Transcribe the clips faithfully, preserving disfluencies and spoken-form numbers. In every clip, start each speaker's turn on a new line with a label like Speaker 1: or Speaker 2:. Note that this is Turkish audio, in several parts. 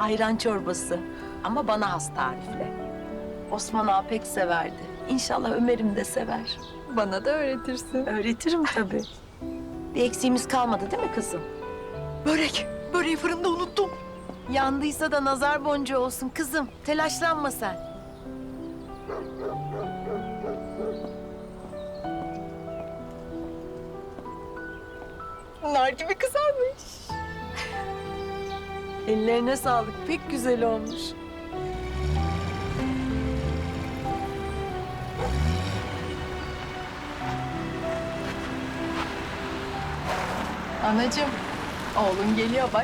Speaker 1: ayran çorbası. Ama bana has tarifle. Osman ağa pek severdi. İnşallah Ömer'im de sever.
Speaker 2: Bana da öğretirsin.
Speaker 1: Öğretirim tabii. Bir eksiğimiz kalmadı değil mi kızım?
Speaker 2: Börek. Böreği fırında unuttum.
Speaker 1: Yandıysa da nazar boncuğu olsun kızım. Telaşlanma sen.
Speaker 2: Nar gibi kızarmış.
Speaker 1: Ellerine sağlık. Pek güzel olmuş.
Speaker 2: Anacığım, oğlun geliyor bak.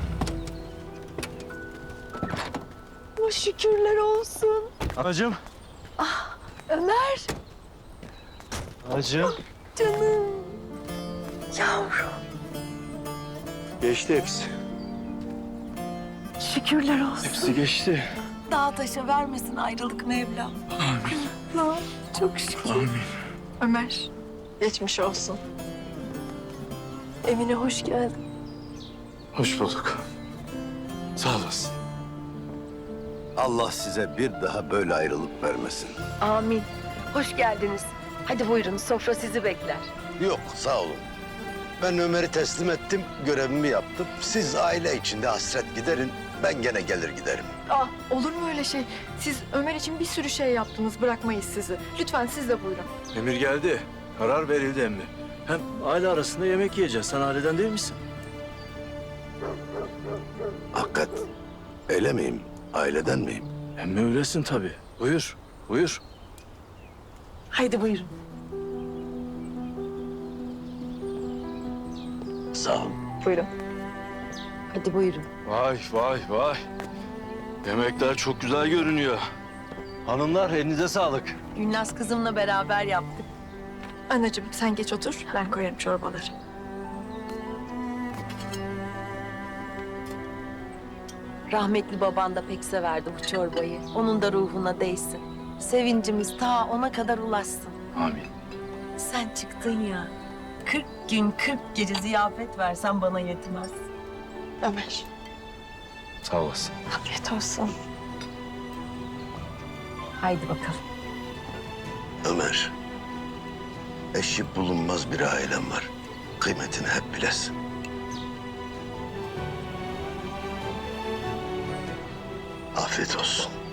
Speaker 1: Oh, şükürler olsun.
Speaker 3: Anacığım.
Speaker 1: Ömer,
Speaker 3: Anacığım.
Speaker 1: canım. Yavrum.
Speaker 3: Geçti hepsi.
Speaker 1: Şükürler olsun.
Speaker 3: Hepsi geçti.
Speaker 1: Dağ taşa vermesin ayrılık Mevlam. Amin. Çok şükür.
Speaker 3: Amin.
Speaker 2: Ömer, geçmiş olsun.
Speaker 1: Evine hoş geldin.
Speaker 3: Hoş bulduk. Sağ olasın.
Speaker 4: Allah size bir daha böyle ayrılık vermesin.
Speaker 1: Amin. Hoş geldiniz. Hadi buyurun, sofra sizi bekler.
Speaker 4: Yok, sağ olun. Ben Ömer'i teslim ettim, görevimi yaptım. Siz aile içinde hasret giderin, ben gene gelir giderim.
Speaker 2: Ah, olur mu öyle şey? Siz Ömer için bir sürü şey yaptınız, bırakmayız sizi. Lütfen siz de buyurun.
Speaker 3: Emir geldi. Karar verildi emmi. Hem aile arasında yemek yiyeceğiz. Sen aileden değil misin?
Speaker 4: Hakikat, öyle miyim? Aileden miyim?
Speaker 3: Emmi öylesin tabii. Buyur, buyur.
Speaker 1: Haydi buyurun.
Speaker 4: Sağ olun.
Speaker 2: Buyurun.
Speaker 1: Hadi buyurun.
Speaker 3: Vay vay vay. Yemekler çok güzel görünüyor. Hanımlar elinize sağlık.
Speaker 1: Gülnaz kızımla beraber yaptık.
Speaker 2: Anacığım sen geç otur, ben koyarım çorbaları.
Speaker 1: Rahmetli baban da pek severdi bu çorbayı. Onun da ruhuna değsin. Sevincimiz ta ona kadar ulaşsın.
Speaker 3: Amin.
Speaker 1: Sen çıktın ya. Kırk gün, kırk gece ziyafet versen bana yetmez.
Speaker 2: Ömer,
Speaker 3: Sağ olasın.
Speaker 2: afiyet olsun.
Speaker 1: Haydi bakalım.
Speaker 4: Ömer, eşi bulunmaz bir ailem var. Kıymetini hep bilesin. Afiyet olsun.